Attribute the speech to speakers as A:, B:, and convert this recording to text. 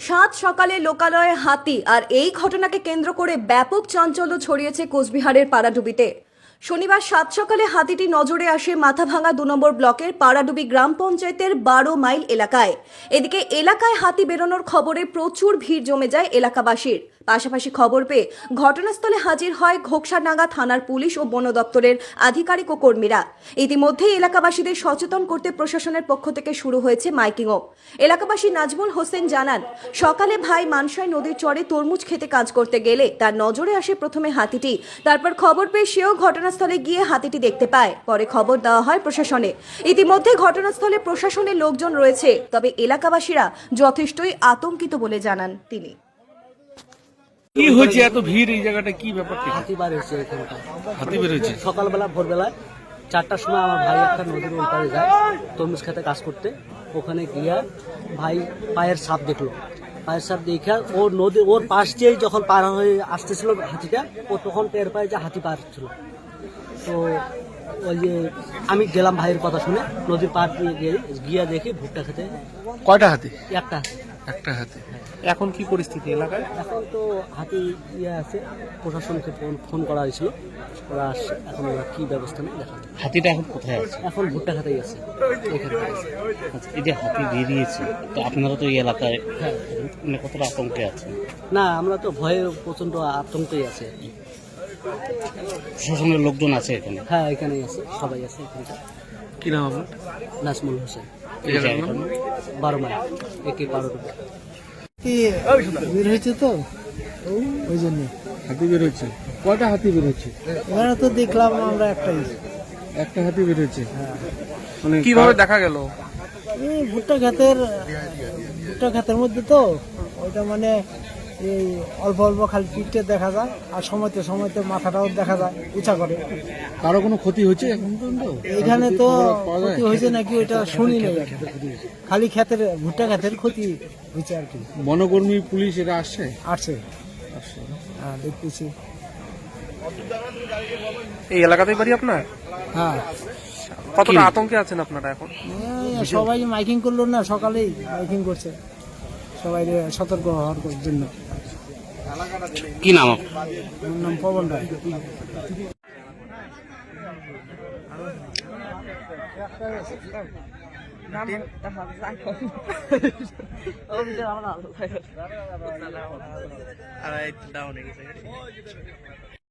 A: সাত সকালে লোকালয়ে হাতি আর এই ঘটনাকে কেন্দ্র করে ব্যাপক চাঞ্চল্য ছড়িয়েছে কোচবিহারের পাড়াডুবিতে। শনিবার সাত সকালে হাতিটি নজরে আসে মাথাভাঙা ২ নম্বর ব্লকের পাড়াডুবি গ্রাম পঞ্চায়েতের ১২ মাইল এলাকায়। এদিকে এলাকায় হাতি বেরোনোর খবরে প্রচুর ভিড় জমে যায় এলাকাবাসীর। পাশাপাশি খবর পেয়ে ঘটনাস্থলে হাজির হয় ঘোকসাডাঙ্গা থানার পুলিশ ও বন দপ্তরের আধিকারিক ও কর্মীরা। ইতিমধ্যেই এলাকাবাসীদের সচেতন করতে প্রশাসনের পক্ষ থেকে শুরু হয়েছে মাইকিংও। এলাকাবাসী নাজমুল হোসেন জানান, সকালে ভাই মানসাই নদীর চরে তরমুজ খেতে কাজ করতে গেলে তার নজরে আসে প্রথমে হাতিটি। তারপর খবর পেয়ে সেও ঘটনাস্থলে গিয়ে হাতিটি দেখতে পায়। পরে খবর দেওয়া হয় প্রশাসনে। ইতিমধ্যে ঘটনাস্থলে প্রশাসনের লোকজন রয়েছে, তবে এলাকাবাসীরা যথেষ্টই আতঙ্কিত বলে জানান তিনি।
B: কি হয়েছে এত ভিড় এই জায়গাটা, কি ব্যাপার?
C: হাতি বার হয়েছে এখানটা।
B: হাতি বের হয়েছে
C: সকালবেলা ভোরবেলায় 4টার সময় আমার ভাই একটা নদীর ওই পারে যায় তরমুজ খেতে কাজ করতে। ওখানে গিয়া ভাই পায়ের সাপ দেখলো। পায়ের সাপ দেখে ওর পাশ দিয়েই যখন পার হয়ে আসতেছিল হাতিটা, ও তখন টের পায় যে হাতি পার ছিল। তো ওই যে আমি গেলাম ভাইয়ের কথা শুনে নদীর পার দিয়ে গিয়া দেখি ভুট্টা খেতে
B: কয়টা হাতি?
C: একটা।
B: একটা হাতি। এখন কি পরিস্থিতি এলাকায়?
C: এখন তো হাতি আছে, প্রশাসনকে ফোন করা হয়েছিল, ওরা আসছে। এখন ওরা কি ব্যবস্থা নেই দেখা যায়।
D: হাতিটা এখন কোথায় আছে?
C: এখন ভুট্টা খাতেই আছে এখানে।
D: আচ্ছা, এই যে হাতি বেরিয়েছে, তো আপনারা তো এই এলাকায়
C: হ্যাঁ,
D: মানে কতটা আতঙ্কে আছেন?
C: না আমরা তো ভয়ে প্রচন্ড আতঙ্কেই আছে।
D: প্রশাসনের লোকজন আছে এখানে?
C: হ্যাঁ, এখানেই আছে, সবাই আছে এখানটা।
B: কি নাম আপনার?
C: নাজমুল হোসেন,
D: এই জায়গাটার নাম?
C: 12 মাইল একে পাড়াডুবি।
E: বের হয়েছে তো ওই জন্য।
B: হাতি বের হয়েছে? কয়টা হাতি বের হয়েছে?
E: এখানে তো দেখলাম আমরা একটাই।
B: একটা হাতি বের হয়েছে। মানে কিভাবে দেখা গেল?
E: এই ভুট্টা ক্ষেতের মধ্যে তো ওইটা মানে এই অল্প অল্প খালি পিঠে দেখা যায়, আর সময়তে সময়তে মাথাটাও দেখা যায় উঁচা করে।
B: কারো কোনো ক্ষতি হয়েছে এখন পর্যন্ত?
E: এখানে তো ক্ষতি হয়েছে নাকি ওইটা শুনি নাই, খালি ভুট্টা ক্ষেতের ক্ষতি হয়েছে আর কি।
B: বনকর্মী পুলিশ এরা আসছে?
E: আসছে, হ্যাঁ দেখতেছি।
B: এই এলাকাতেই বাড়ি আপনার?
E: হ্যাঁ,
B: কতটা আতঙ্কে আছেন আপনারা এখন?
E: সবাই মাইকিং করলো না, সকালেই মাইকিং করছে সবাই সতর্ক হওয়ার জন্য।
D: কি নাম?
E: আমার নাম পবন রায়।